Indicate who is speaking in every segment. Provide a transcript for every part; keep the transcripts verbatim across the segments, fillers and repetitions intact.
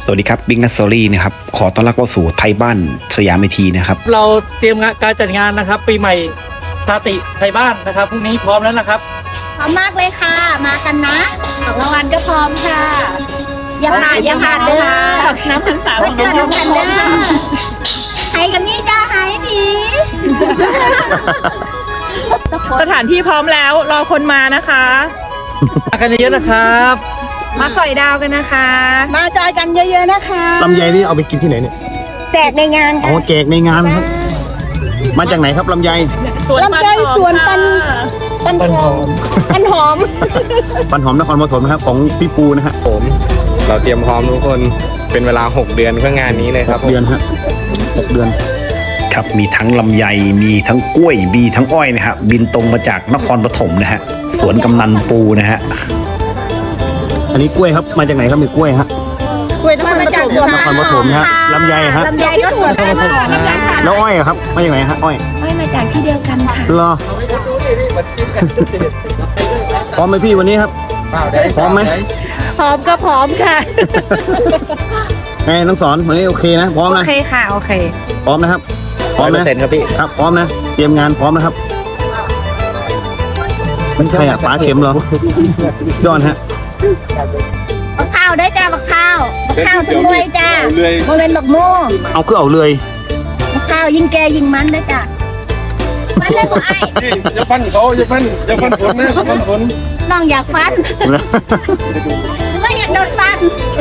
Speaker 1: วัสดีครับบิ๊กนัสซอรี่นะครับขอต้อนรับเข้าสู่ไทยบ้านสยามเวทีนะครับ
Speaker 2: เราเตรียมการจัดงานนะครับปีใหม่สาติไทยบ้านนะครับพรุ่งนี้พร้อมแล้วนะครับ
Speaker 3: พร้อมมากเลยค่ะมากันนะของรางวัลก็พร้อมค่ะยังผ่านยังผ่านเด้อน้ำทั้งสามวันเกิดน้ำกันเด้อไห้กับนี่จ้าไห้ดี
Speaker 4: สถานที่พร้อมแล้วรอคนมานะคะ
Speaker 2: มากันเยอะๆนะครับ
Speaker 4: มาสอยดาวกันนะคะ
Speaker 3: มาจอยกันเยอะๆนะคะ
Speaker 5: ลำไยนี่เอาไปกินที่ไหนเนี่ย
Speaker 3: แจกในงาน
Speaker 5: อ๋อแจกในงานครับมาจากไหนครับลำไย
Speaker 3: ลำไยสวนปันปันหอมปันหอม
Speaker 5: ปันหอมนครปฐมนะครับของพี่ปูนะฮะ
Speaker 6: ผมเราเตรียมพร้อมทุกคนเป็นเวลาหกเดือนเพื่องานนี้เลยครับ
Speaker 5: เดือนฮะหกเดือน
Speaker 1: ครับมีทั้งลำไยมีทั้งกล้วยมีทั้งอ้อยนะฮะบินตรงมาจากนครปฐมนะฮะสวนกำนันปูนะฮะ
Speaker 5: อันนี้กล้วยครับมาจากไหนครับมีกล้วยฮะ
Speaker 3: กล้วยมาจากสวน
Speaker 5: นครปฐมฮะลำไยฮะ
Speaker 3: ลำไยก็สวนนครปฐม
Speaker 5: แล้วอ้อยครับมาจากไหนฮะอ้อย
Speaker 3: อ้อยมาจากที่เดียวกันค่ะ
Speaker 5: รอพร้อมไหมพี่วันนี้ครับพร้อมไหม
Speaker 3: พร้อมก็พร้อมค่ะ
Speaker 5: ไงน้องสอนวันนี้โอเคนะพร้อมนะ
Speaker 4: โอเคค่ะโอเค
Speaker 5: พร้อมนะครับพร้อมนะ
Speaker 6: เสร็จครับพี่
Speaker 5: ครับพร้อมนะเตรียมงานพร้อมนะครับไม่ใช่อ่ะป๋าเข็มเหรอย้อนฮะ
Speaker 3: บักข้าวได้จ้าบักข้าวบักข้าวถึงรวยจ้าโมเป็นบักโม่
Speaker 5: เอาคือเอาเลย
Speaker 3: บักข้าวยิงแกยิงมันได้จ้าฟันเลยบ่ไอ้
Speaker 6: อย่าฟันเขาอย่าฟันอย่าฟันฝนนะอย่าฟันฝน
Speaker 3: น้องอยากฟันไม่อยากโดนฟัน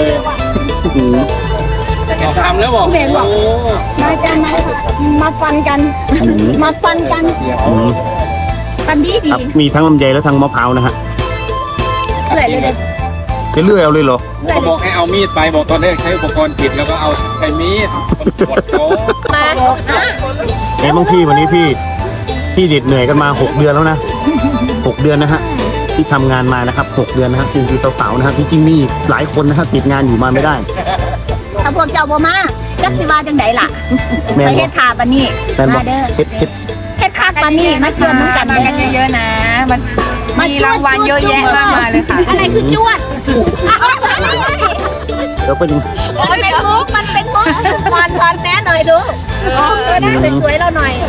Speaker 6: ทำแล้วบอก
Speaker 3: เบนบอกมาจ้ามามาฟันกันมาฟันกันฟันดีดี
Speaker 5: มีทั้งลำไยและทั้งมะพร้าวนะฮะ
Speaker 3: เลื่อยเลย
Speaker 5: จะเลื่อยเอาเลยเหรอ
Speaker 6: เขาบอกให้เอามีดไปบอกตอนแรกใช้อุปกรณ์ผิดแล้วก็เอาใช้มีดกดโต๊ะ
Speaker 3: มา
Speaker 5: ไอ้บางพี่วันนี้พี่พี่เด็ดเหนื่อยกันมาหกเดือนแล้วนะหกเดือนนะฮะที่ทำงานมานะครับหกเดือนนะฮะจริงๆสาวๆนะครับจริงๆมีหลายคนนะครับติดงานอยู่มาไม่ได้
Speaker 3: ถ้าพวกเจ้าบ่มาจักสิว่าจังไดล่ะไปเฮ็ดทาปานนี้มาเด้อ
Speaker 5: เฮ็ดเฮ็ด
Speaker 3: เฮ็ดคาปานนี้มาเชิญน้องกัน
Speaker 4: มากันเยอะๆนะมันมีรางวัลเยอะแยะมากมายเลยค่ะ
Speaker 3: อะไรคือจวด
Speaker 5: เดี๋ยวไปดู
Speaker 3: มันเป็นมุกมันเป็นมุกวันวันแม่หน่อยดูหน้าสวยๆเราหน่อย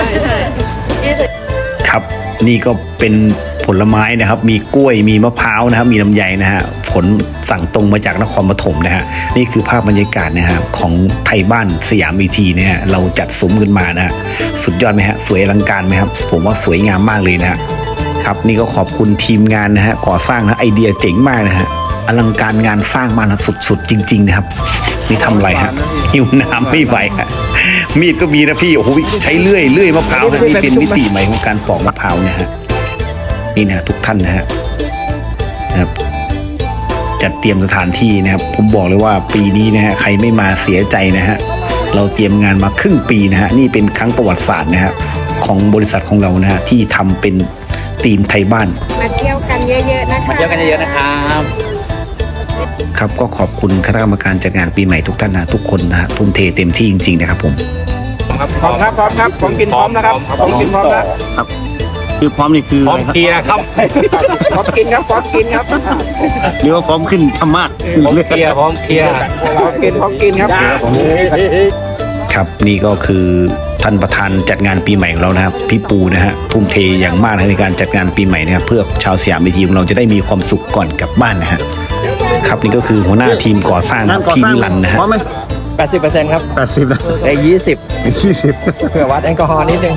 Speaker 1: ครับนี่ก็เป็นผลไม้นะครับมีกล้วยมีมะพร้าวนะครับมีลำไยนะฮะผลสั่งตรงมาจากนครปฐมนะฮะนี่คือภาพบรรยากาศนะฮะของไทยบ้านสยามวีทีนะฮะเราจัดซุ้มขึ้นมานะฮะสุดยอดไหมฮะสวยอลังการไหมครับผมว่าสวยงามมากเลยนะฮะครับนี่ก็ขอบคุณทีมงานนะฮะก่อสร้างนะไอเดียเจ๋งมากนะฮะอลังการงานสร้างมานะสุดๆจริงๆนะครับนี่ทำอะไรฮะหิวน้ำไม่ไหวฮะมีดก็มีนะพี่โอ้โหใช้เลื่อยเลื่อยมะพร้าวนะนี่เป็นมิติใหม่ของการปอกมะพร้าวนะฮะนี่นะทุกท่านนะฮะนะครับจัดเตรียมสถานที่นะครับผมบอกเลยว่าปีนี้นะฮะใครไม่มาเสียใจนะฮะเราเตรียมงานมาครึ่งปีนะฮะนี่เป็นครั้งประวัติศาสตร์นะฮะของบริษัทของเรานะฮะที่ทำเป็นทีมไทยบ้าน
Speaker 3: มาเที่ยวกันเยอะๆนะคะ
Speaker 6: มาเที่ยวกันเยอะๆนะครับ
Speaker 1: ครับก็ขอบคุณคณะกรรมการจัดงานปีใหม่ทุกท่านนะทุกคนนะฮะทุ่มเทเต็มที่จริงๆนะครับผม
Speaker 6: พร้อมครับพร้อมครับของกินพร้อมนะครับของกินพร้อมแล้ว
Speaker 5: ครับคือพร้อมนี่คือ
Speaker 6: พร้อมเคลียร์ครับพร้อมกินครับพร้อมกินครับ
Speaker 5: หรือว่าพร้อมขึ้นธรรมะ
Speaker 6: พร้อมเคลียร์พร้อมเคลียร์พร้อมกินพร้อมกินครับ
Speaker 1: ครับนี่ก็คือท่านประธานจัดงานปีใหม่ของเรานะครับพี่ปูนะฮะทุ่มเทอย่างมากในการจัดงานปีใหม่นะครับเพื่อชาวสยามวีทีของเราจะได้มีความสุขก่อนกลับบ้านนะฮะครับนี่ก็คือหัวหน้าทีมก่อสร้างพี่นิรันดร์นะฮะ
Speaker 6: แปดสิบเปอร์เซ็นต์ครับ
Speaker 5: แปดสิบนะ
Speaker 6: ได้ยี่สิบ
Speaker 5: ยี่สิบ
Speaker 6: เผื่อวัดแอลกอฮอล์นิดนึง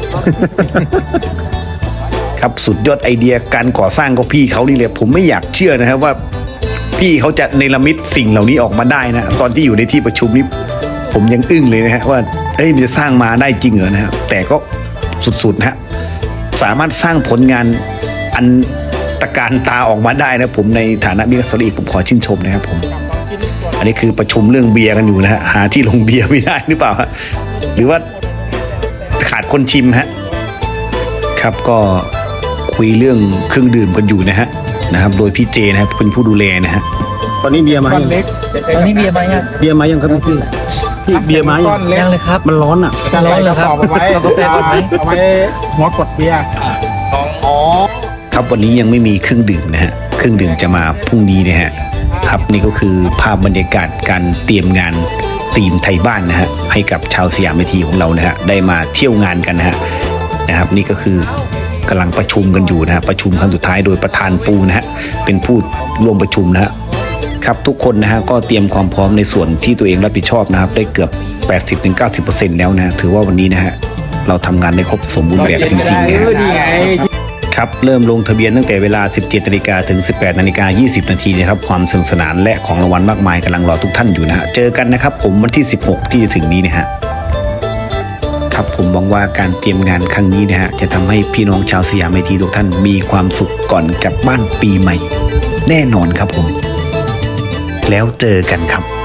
Speaker 1: ครับสุดยอดไอเดียการก่อสร้างก็พี่เขานี่เลยผมไม่อยากเชื่อนะครับว่าพี่เขาจะเนรมิตสิ่งเหล่านี้ออกมาได้นะตอนที่อยู่ในที่ประชุมนี้ผมยังอึ้งเลยนะฮะว่าเอ้ยมันจะสร้างมาได้จริงเหรอนะฮะแต่ก็สุดๆนะฮะสามารถสร้างผลงานอันตะการตาออกมาได้นะผมในฐานะบิ๊กนัสซอรี่ผมขอชื่นชมนะครับผมอันนี้คือประชุมเรื่องเบียร์กันอยู่นะฮะหาที่ลงเบียร์ไม่ได้หรือเปล่าฮะหรือว่าขาดคนชิมฮะครับก็คุยเรื่องเครื่องดื่มกันอยู่นะฮะนะครับโดยพี่เจนะครับเป็นผู้ดูแลนะฮะ
Speaker 5: ตอนนี้เบียร์มา
Speaker 2: ตอนนี้เบียร์มายัง
Speaker 5: เบียร์มายังครับพี่พี่เบียร์มายัง
Speaker 2: ยังเลยครับ
Speaker 5: มันร้อนอ่ะ
Speaker 2: ร้อนเลยครับเอาไว้กาแฟกดไหม
Speaker 6: เอาไว้หัวกดเบียร์
Speaker 1: อ๋อครับวันนี้ยังไม่มีเครื่องดื่มนะฮะเครื่องดื่มจะมาพรุ่งนี้นะฮะครับนี่ก็คือภาพบรรยากาศการเตรียมงานทีมไทยบ้านนะฮะให้กับชาวสยามเวทีของเรานะฮะได้มาเที่ยวงานกันนะฮะนะครับนี่ก็คือกำลังประชุมกันอยู่นะฮะประชุมครั้งสุดท้ายโดยประธานปูนะฮะเป็นผู้ร่วมประชุมนะฮะครับทุกคนนะฮะก็เตรียมความพร้อมในส่วนที่ตัวเองรับผิดชอบนะครับได้เกือบ แปดสิบถึงเก้าสิบเปอร์เซ็นต์ แล้วนะถือว่าวันนี้นะฮะเราทำงานได้ครบสมบูรณ์แบบจริงๆนะฮะ
Speaker 6: ดีไง
Speaker 1: ครับเริ่มลงทะเบียนตั้งแต่เวลา สิบเจ็ดนาฬิกา ถึง สิบแปดนาฬิกายี่สิบ นาทีนะครับความสนุกสนานและของรางวัลมากมายกำลังรอทุกท่านอยู่นะฮะเจอกันนะครับผมวันที่สิบหกที่จะถึงนี้นะฮะครับผมหวังว่าการเตรียมงานครั้งนี้นะฮะจะทำให้พี่น้องชาวสยามเวทีทุกท่านมีความสุขก่อนกลับบ้านปีใหม่ แน่นอนครับผมแล้วเจอกันครับ